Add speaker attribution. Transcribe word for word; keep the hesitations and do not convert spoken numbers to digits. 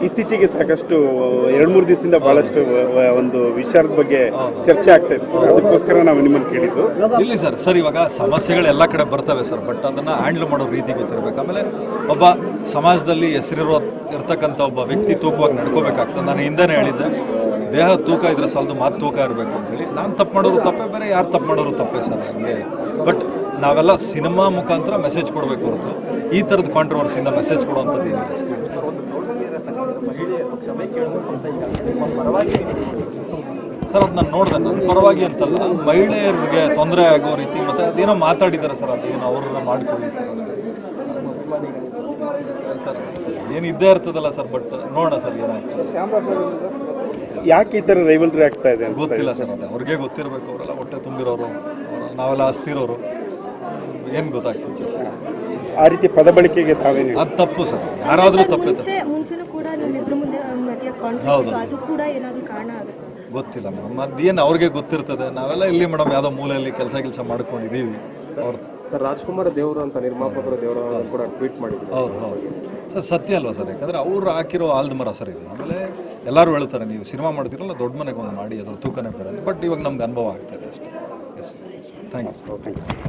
Speaker 1: ಇತ್ತೀಚೆಗೆ ಸಾಕಷ್ಟು ಎರಡು ಮೂರು ದಿವಸದಿಂದ ಬಹಳಷ್ಟು ಒಂದು ವಿಚಾರದ ಬಗ್ಗೆ ಚರ್ಚೆ ಆಗ್ತಾ ಇದೆ ಸರ್, ಅದಕ್ಕೋಸ್ಕರ ನಾವು ನಿಮ್ಮನ್ನು ಕೇಳಿದ್ದು.
Speaker 2: ಇಲ್ಲಿ ಸರ್ ಸರ್ ಇವಾಗ ಸಮಸ್ಯೆಗಳು ಎಲ್ಲ ಕಡೆ ಬರ್ತವೆ ಸರ್, ಬಟ್ ಅದನ್ನು ಹ್ಯಾಂಡ್ಲ್ ಮಾಡೋ ರೀತಿ ಗೊತ್ತಿರಬೇಕು. ಆಮೇಲೆ ಒಬ್ಬ ಸಮಾಜದಲ್ಲಿ ಹೆಸರಿರೋ ಇರ್ತಕ್ಕಂಥ ಒಬ್ಬ ವ್ಯಕ್ತಿ ತೂಕವಾಗಿ ನಡ್ಕೋಬೇಕಾಗ್ತದೆ. ನಾನು ಹಿಂದೆನೇ ಹೇಳಿದ್ದೆ, ದೇಹ ತೂಕ ಇದ್ರೆ ಸಾಲದು ಮಾತು ತೂಕ ಇರಬೇಕು ಅಂತೇಳಿ. ನಾನು ತಪ್ಪು ಮಾಡೋರು ತಪ್ಪೇ ಬೇರೆ, ಯಾರು ತಪ್ಪು ಮಾಡೋರು ತಪ್ಪೇ ಸರ್ ಹಂಗೆ. ಬಟ್ ನಾವೆಲ್ಲ ಸಿನಿಮಾ ಮುಖಾಂತರ ಮೆಸೇಜ್ ಕೊಡಬೇಕು ಹೊರತು ಈ ಥರದ ಕಾಂಟ್ರವರ್ಸಿಯಿಂದ ಮೆಸೇಜ್ ಕೊಡುವಂಥದ್ದು ಏನಿದೆ ಸರ್. ಅದು ನಾನು ನೋಡಿದೆ, ನನ್ನ ಪರವಾಗಿ ಅಂತಲ್ಲ, ಮಹಿಳೆಯರಿಗೆ ತೊಂದರೆ ಆಗೋ ರೀತಿ ಮತ್ತು ಅದೇನೋ ಮಾತಾಡಿದ್ದಾರೆ ಸರ್, ಅದೇನೋ ಅವ್ರನ್ನ ಮಾಡಿಕೊಳ್ಳಿ ಸರ್ ಸರ್ ಏನು ಇದ್ದೇ ಇರ್ತದಲ್ಲ ಸರ್. ಬಟ್ ನೋಡೋಣ ಸರ್ ಏನಾಯ್ತು,
Speaker 1: ಯಾಕೆ ಈ ಥರ ರೈವಲ್ರಿ ಆಗ್ತಾ ಇದೆ
Speaker 2: ಗೊತ್ತಿಲ್ಲ ಸರ್. ಅದೇ ಅವ್ರಿಗೆ ಗೊತ್ತಿರಬೇಕು, ಅವರೆಲ್ಲ ಹೊಟ್ಟೆ ತುಂಬಿರೋರು, ನಾವೆಲ್ಲ ಹಸ್ತಿರೋರು, ಏನು ಗೊತ್ತಾಗ್ತದೆ ಸರ್.
Speaker 1: ಆ ರೀತಿ ಪದ ಬಳಕೆಗೆ ತಾವೇನು
Speaker 2: ಅದು ತಪ್ಪು ಸರ್, ಯಾರಾದರೂ ತಪ್ಪೇ. ಹೌದು ಗೊತ್ತಿಲ್ಲ ಮೇಡಮ್, ಅದೇನು ಅವ್ರಿಗೆ ಗೊತ್ತಿರ್ತದೆ. ನಾವೆಲ್ಲ ಇಲ್ಲಿ ಮೇಡಮ್ ಯಾವುದೋ ಮೂಲೆಯಲ್ಲಿ ಕೆಲಸ ಕೆಲಸ ಮಾಡ್ಕೊಂಡಿದ್ದೀವಿ. ಅವ್ರು
Speaker 3: ಸರ್ ರಾಜ್ಕುಮಾರ್ ದೇವರು ಅಂತ ನಿರ್ಮಾಪಕರು ದೇವರು ಕೂಡ ಟ್ವೀಟ್ ಮಾಡಿದ್ರು.
Speaker 2: ಹೌದು ಹೌದು ಸರ್, ಸತ್ಯ ಅಲ್ವಾ ಸರ್? ಯಾಕಂದರೆ ಅವ್ರು ಹಾಕಿರೋ ಆಲ್ದ ಮರ ಸರ್ ಇದು. ಆಮೇಲೆ ಎಲ್ಲರೂ ಹೇಳ್ತಾರೆ, ನೀವು ಸಿನಿಮಾ ಮಾಡ್ತೀರಲ್ಲ ದೊಡ್ಡ ಮನೆಗೆ ಒಂದು ಮಾಡಿ, ಅದ್ರ ತೂಕನೇ ಬೇರೆ. ಬಟ್ ಇವಾಗ ನಮ್ಗೆ ಅನುಭವ ಆಗ್ತಾಯಿದೆ ಅಷ್ಟೇ. Yes, thank you.